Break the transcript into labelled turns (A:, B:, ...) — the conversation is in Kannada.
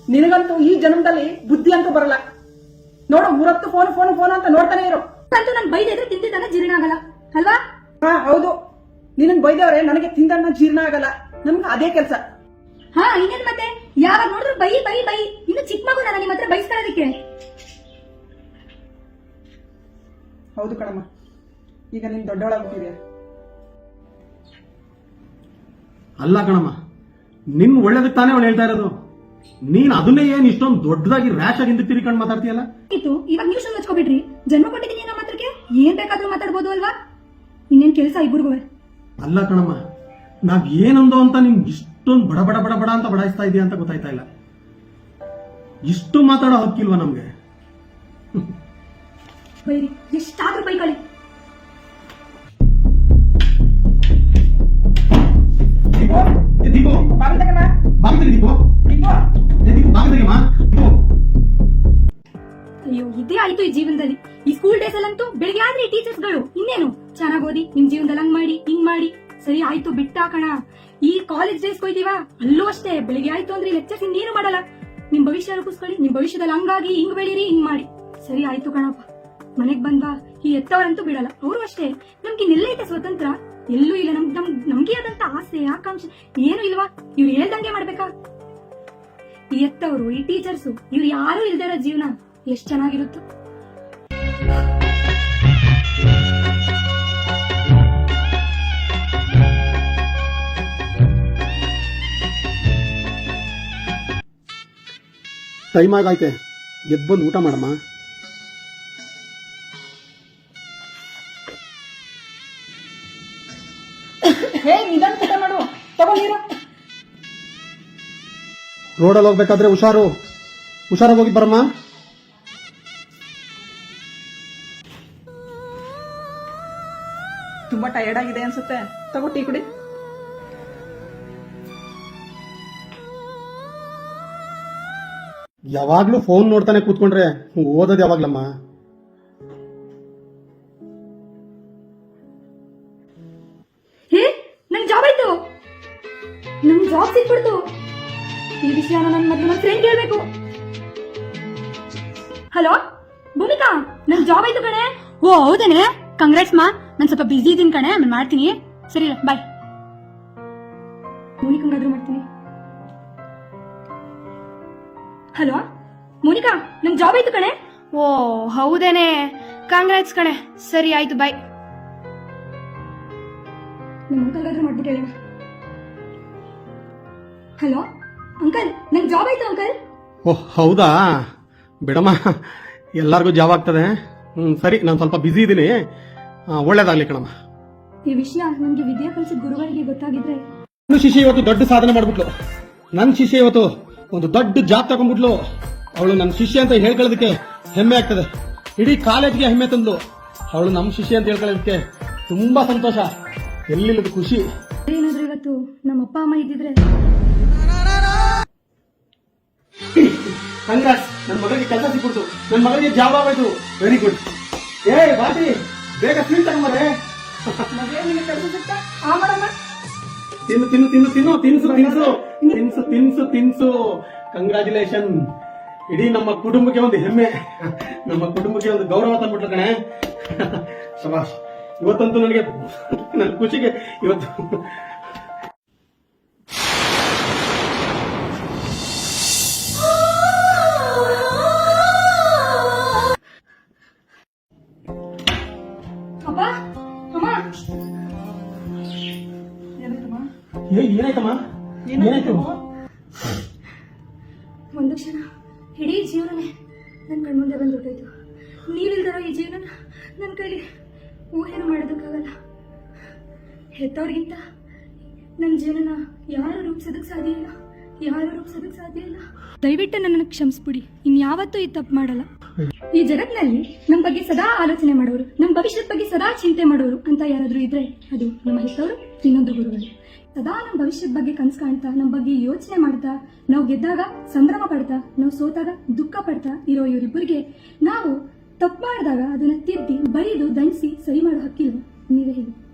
A: ನಿನಗಂತೂ ಈ ಜನ್ಮದಲ್ಲಿ ಬುದ್ಧಿ ಅಂತೂ ಬರಲ್ಲ. ನೋಡು, 3 ಫೋನ್ ಫೋನ್ ಫೋನ್ ಅಂತ ನೋಡ್ತಾನೆ ಇರೋ.
B: ಅಂತೂ ನಾನು ಬೈದಿದ್ರೆ ತಿಂದಿದ್ದಾನೆ ಜೀರ್ಣ ಆಗಲ್ಲ ಅಲ್ವಾ?
A: ಹಾ ಹೌದು, ನಿನಗ್ ಬೈದವ್ರೆ ನನಗೆ ತಿಂದನ್ನ ಜೀರ್ಣ ಆಗಲ್ಲ. ನಮ್ಗೆ ಅದೇ ಕೆಲಸ.
B: ಹಾ ಇನ್ನೇನ್ ಮತ್ತೆ, ಯಾವಾಗ ನೋಡಿದ್ರು ಬೈ ಬೈ ಬೈ. ಇನ್ನು ಚಿಕ್ಕ ಮಗು ನಾನು ನಿಮ್ಮ ಹತ್ರ ಬೈಸ್ಕೊಳ್ಳೋದಕ್ಕೆ.
A: ಹೌದು ಕಣಮ್ಮ, ಈಗ ನೀನ್ ದೊಡ್ಡವಳಾಗ್ಬಿಟ್ಟಿದೆ.
C: ಅಲ್ಲ ಕಣಮ್ಮ, ನಿನ್ ಒಳ್ಳೇದಕ್ಕೆ ತಾನೇ ಅವಳು ಹೇಳ್ತಾ ಇರೋದು. ನೀನ್ ಅದನ್ನೇ ಏನ್ ಇಷ್ಟೊಂದು ದೊಡ್ಡದಾಗಿ ರ್ಯಾಶ್ ಆಗಿ ಹಿಂದೆ ತಿರ್ಕೊಂಡು ಮಾತಾಡ್ತೀಯಲ್ಲ.
B: ಇವಾಗ ನೀವು ಶುರು ಹಚ್ಕೊಬಿಟ್ರಿ. ಜನ್ಮ ಕೊಟ್ಟಿದ್ದೀನಿ ನಮ್ಮ ಹತ್ರಕ್ಕೆ, ಏನ್ ಬೇಕಾದ್ರೂ ಮಾತಾಡ್ಬೋದು ಅಲ್ವಾ? ಇನ್ನೇನ್ ಕೆಲಸ ಇಬ್ಬರಿಗೂ.
C: ಅಲ್ಲ ಕಣಮ್ಮ, ನಾವ್ ಏನೊಂದು ಅಂತ ನಿಮ್ ಇಷ್ಟೊಂದು ಬಡ ಬಡ ಬಡ ಬಡ ಅಂತ ಬಡಾಯಿಸ್ತಾ ಇದೀಯ ಅಂತ ಗೊತ್ತಾಯ್ತಾ ಇಲ್ಲ. ಇಷ್ಟು ಮಾತಾಡೋ ಹಕ್ಕಿಲ್ವಾ ನಮ್ಗೆ?
B: ಬೈರಿ, ಎಷ್ಟಾದ್ರೂ ಬೈಕೊಳ್ಳಿ. ಅಯ್ಯೋ, ಇದೇ ಆಯ್ತು ಈ ಜೀವನದಲ್ಲಿ. ಈ ಸ್ಕೂಲ್ ಡೇಸ್ ಅಲ್ಲಂತೂ ಬೆಳಿಗ್ಗೆ ಆದ್ರೆ ಈ ಟೀಚರ್ಸ್ ಗಳು ಇನ್ನೇನು ಚೆನ್ನಾಗ್ ಓದಿ, ನಿಮ್ ಜೀವನದಲ್ಲಿ ಹಂಗ್ ಮಾಡಿ ಹಿಂಗ್ ಮಾಡಿ ಸರಿ ಆಯ್ತು ಬಿಟ್ಟಾಕಣ. ಈ ಕಾಲೇಜ್ ಡೇಸ್ ಹೋಯ್ತೀವ, ಅಲ್ಲೂ ಅಷ್ಟೇ ಬೆಳಿಗ್ಗೆ ಆಯ್ತು ಅಂದ್ರೆ ಲೆಕ್ಚರ್ಸ್ ಇನ್ನೇನು ಮಾಡಲ್ಲ. ನಿಮ್ ಭವಿಷ್ಯ ರೂಪಿಸ್ಕೊಳ್ಳಿ, ನಿಮ್ ಭವಿಷ್ಯದಲ್ಲಿ ಹಂಗಾಗಿ ಹಿಂಗ್ ಬೆಳೀರಿ, ಹಿಂಗ್ ಮಾಡಿ ಸರಿ ಆಯ್ತು ಕಣಪ್ಪ. ಮನೆಗ್ ಬಂದ್ವಾ, ಈ ಎತ್ತವರಂತೂ ಬಿಡಲ್ಲ. ಅವರು ಅಷ್ಟೇ, ನಮ್ಗೆ ಇನ್ನೆಲ್ಲೈತೆ ಸ್ವತಂತ್ರ? ಎಲ್ಲೂ ಇಲ್ಲ. ನಮ್ಗೆ ಆದಂತ ಆಸೆ ಆಕಾಂಕ್ಷೆ ಏನು ಇಲ್ವಾ? ಇವ್ರು ಹೇಳ್ದಂಗೆ ಮಾಡ್ಬೇಕಾ? ಈ ಎತ್ತವರು, ಈ ಟೀಚರ್ಸು, ಇವ್ರು ಯಾರು ಇಲ್ದೇ ಇರೋ ಜೀವನ ಎಷ್ಟ್ ಚೆನ್ನಾಗಿರುತ್ತೋ.
C: ಟೈಮ್ ಆಗೈತೆ, ಎದ್ದು ಬಂದು ಊಟ ಮಾಡಮ್ಮ.
A: ಹೇ, ನಿಧಾನ ಊಟ ಮಾಡು. ತಗೋ ನೀರು.
C: ರೋಡಲ್ಲಿ ಹೋಗ್ಬೇಕಾದ್ರೆ ಹುಷಾರಾಗಿ ಹೋಗಿ ಬರಮ್ಮ.
A: ತುಂಬಾ ಟಯರ್ಡ್ ಆಗಿದೆ ಅನ್ಸುತ್ತೆ, ತಗೋ ಟೀ ಕುಡಿ.
C: ಯಾವಾಗ್ಲೂ ಫೋನ್ ನೋಡ್ತಾನೆ ಕೂತ್ಕೊಂಡ್ರೆ ಓದೋದು ಯಾವಾಗ್ಲಮ್ಮ?
B: ಹೇ, ನನ್ ಜಾಬ್ ಆಯ್ತು, ನನ್ ಜಾಬ್ ಸಿಕ್ಬಿಡ್ತು. ಈ ವಿಷಯನ ನನ್ನ ಮೊದಲು ನನ್ನ ಫ್ರೆಂಡ್ ಹೇಳ್ಬೇಕು. ಹಲೋ ಭೂಮಿಕಾ, ನನ್ ಜಾಬ್ ಆಯ್ತು ಕಣೆ. ಓ ಹೌದೇನೆ, ಕಂಗ್ರಾಟ್ಸ್ ಮಾ. ನಾನು ಸ್ವಲ್ಪ ಬಿಸಿ ಇದ್ದೀನಿ ಕಣೆ, ಆಮೇಲೆ ಮಾಡ್ತೀನಿ. ಸರಿ ಬಾಯ್. ಮೋನಿಕಂಗಾದ್ರೂ ಮಾಡ್ತೀನಿ. ಹಲೋ ಮೋನಿಕಾ, ನನ್ ಜಾಬ್ ಆಯ್ತು ಕಣೆ.
D: ಓ ಹೌದೇನೆ, ಕಾಂಗ್ರಾಟ್ಸ್ ಕಣೆ. ಸರಿ ಆಯ್ತು ಬಾಯ್.
B: ನಿಮ್ಮ ಅಂಕಲ್ಗಾದ್ರೂ ಮಾಡ್ಬಿಟ್ಟು ಹೇಳಿ. ಹಲೋ ಅಂಕಲ್, ನನ್ ಜಾಬ್ ಆಯ್ತು ಅಂಕಲ್.
C: ಓಹ್ ಹೌದಾ, ಬಿಡಮ್ಮ, ಎಲ್ಲರಿಗೂ ಜಾಬ್ ಆಗ್ತದೆ. ಸರಿ, ನಾನು ಸ್ವಲ್ಪ ಬಿಸಿ ಇದ್ದೀನಿ. ಒಳ್ಳೇದಾಗ್ಲಿ ಕಣಮ್ಮ.
B: ಈ ವಿಷಯ ನನ್ಗೆ ವಿದ್ಯಾ ಕಲಿಸಿದ ಗುರುಗಳಿಗೆ ಗೊತ್ತಾಗಿದ್ರೆ.
C: ನನ್ನ ಶಿಷ್ಯ ಇವತ್ತು ದೊಡ್ಡ ಸಾಧನೆ ಮಾಡ್ಬಿಟ್ಲು. ನನ್ನ ಶಿಷ್ಯ ಇವತ್ತು ಒಂದು ದೊಡ್ಡ ಜಾಬ್ ತಗೊಂಡ್ಬಿಟ್ಲು. ಅವಳು ನನ್ನ ಶಿಷ್ಯ ಅಂತ ಹೇಳ್ಕೊಳ್ಳೋದಕ್ಕೆ ಹೆಮ್ಮೆ ಆಗ್ತದೆ. ಇಡೀ ಕಾಲೇಜ್ಗೆ ಹೆಮ್ಮೆ ತಂದ್ಲು. ಅವಳು ನಮ್ಮ ಶಿಷ್ಯ ಅಂತ ಹೇಳ್ಕೊಳ್ಳೋದಕ್ಕೆ ತುಂಬಾ ಸಂತೋಷ, ಎಲ್ಲಿಲ್ಲದ ಖುಷಿ.
B: ಏನಾದ್ರೂ ಇವತ್ತು ನಮ್ಮ ಅಪ್ಪ ಅಮ್ಮ ಇದ್ದಿದ್ರೆ.
C: ಕಂಗ್ರಾಟ್ಸ್, ನನ್ನ ಮಗಳಿಗೆ ಕೆಲಸ ಸಿಕ್ಬಿಡ್ತು, ನನ್ನ ಮಗಳಿಗೆ ಜಾಬ್ ಆಗೋಯ್ತು. Very good. ಏ ಬಾಟಿ, ಬೇಗ ಸ್ವೀಟ್ ತಗೊಂಬರೆ.
A: ಕೆಲಸ ಸಿಗ್ತಾ ಆ ಮಾಡಮ್ಮ.
C: ತಿನ್ನು ತಿನ್ನು ತಿನ್ನು ತಿನ್ನು ತಿನ್ಸು ತಿನ್ಸು ತಿನ್ಸು ತಿನ್ಸು ತಿನ್ಸು. ಕಂಗ್ರಾಚುಲೇಷನ್. ಇಡೀ ನಮ್ಮ ಕುಟುಂಬಕ್ಕೆ ಒಂದು ಹೆಮ್ಮೆ, ನಮ್ಮ ಕುಟುಂಬಕ್ಕೆ ಒಂದು ಗೌರವ ತಂದ್ಬಿಟ್ಲು ಕಣೆ. ಶಬಾಷ್. ಇವತ್ತಂತೂ ನನಗೆ ನನ್ನ ಖುಷಿಗೆ ಇವತ್ತು
B: ಅಪ್ಪ ಅಮ್ಮ.
C: ಏನಾಯ್ತಮ್ಮ? ಏನಾಯ್ತು?
B: ಒಂದು ಕ್ಷಣ ಇಡೀ ಜೀವನನೇ ನನ್ನ ಕಣ್ಮುಂದೆ ಬಂದು ಹೊರಟೋಯ್ತು. ನೀವಿಲ್ದಿರೋ ಈ ಜೀವನ ನನ್ನ ಕೈಲಿ ಊಹೆನೂ ಮಾಡೋದಕ್ಕಾಗಲ್ಲ. ಹೆತ್ತವ್ರಿಗಿಂತ ನನ್ನ ಜೀವನ ಯಾರು ರೂಪಿಸೋದಕ್ಕೆ ಸಾಧ್ಯ ಇಲ್ಲ. ದಯವಿಟ್ಟು ನನ್ನನ್ನು ಕ್ಷಮಿಸ್ಬಿಡಿ. ಇನ್ಯಾವತ್ತೂ ಈ ತಪ್ಪು ಮಾಡಲ್ಲ. ಈ ಜಗತ್ತಿನಲ್ಲಿ ನಮ್ಮ ಬಗ್ಗೆ ಸದಾ ಆಲೋಚನೆ ಮಾಡೋರು, ನಮ್ಮ ಭವಿಷ್ಯದ ಬಗ್ಗೆ ಸದಾ ಚಿಂತೆ ಮಾಡೋರು ಅಂತ ಯಾರಾದ್ರೂ ಇದ್ರೆ ಅದು ನಮ್ಮ ಹೆತ್ತವರು, ಇನ್ನೊಂದು ಗುರುಗಳು. ಸದಾ ನಮ್ಮ ಭವಿಷ್ಯದ ಬಗ್ಗೆ ಕನಸು ಕಾಣ್ತಾ, ನಮ್ಮ ಬಗ್ಗೆ ಯೋಚನೆ ಮಾಡ್ತಾ, ನಾವು ಗೆದ್ದಾಗ ಸಂಭ್ರಮ ಪಡ್ತಾ, ನಾವು ಸೋತಾಗ ದುಃಖ ಪಡ್ತಾ ಇರೋ ಇವರಿಬ್ಬರಿಗೆ ನಾವು ತಪ್ಪು ಮಾಡಿದಾಗ ಅದನ್ನ ತಿದ್ದಿ, ಬೈದು, ದಂಡಿಸಿ ಸರಿ ಮಾಡೋ ಹಕ್ಕಿಲ್ವ? ನೀವೇ ಹೇಳಿ.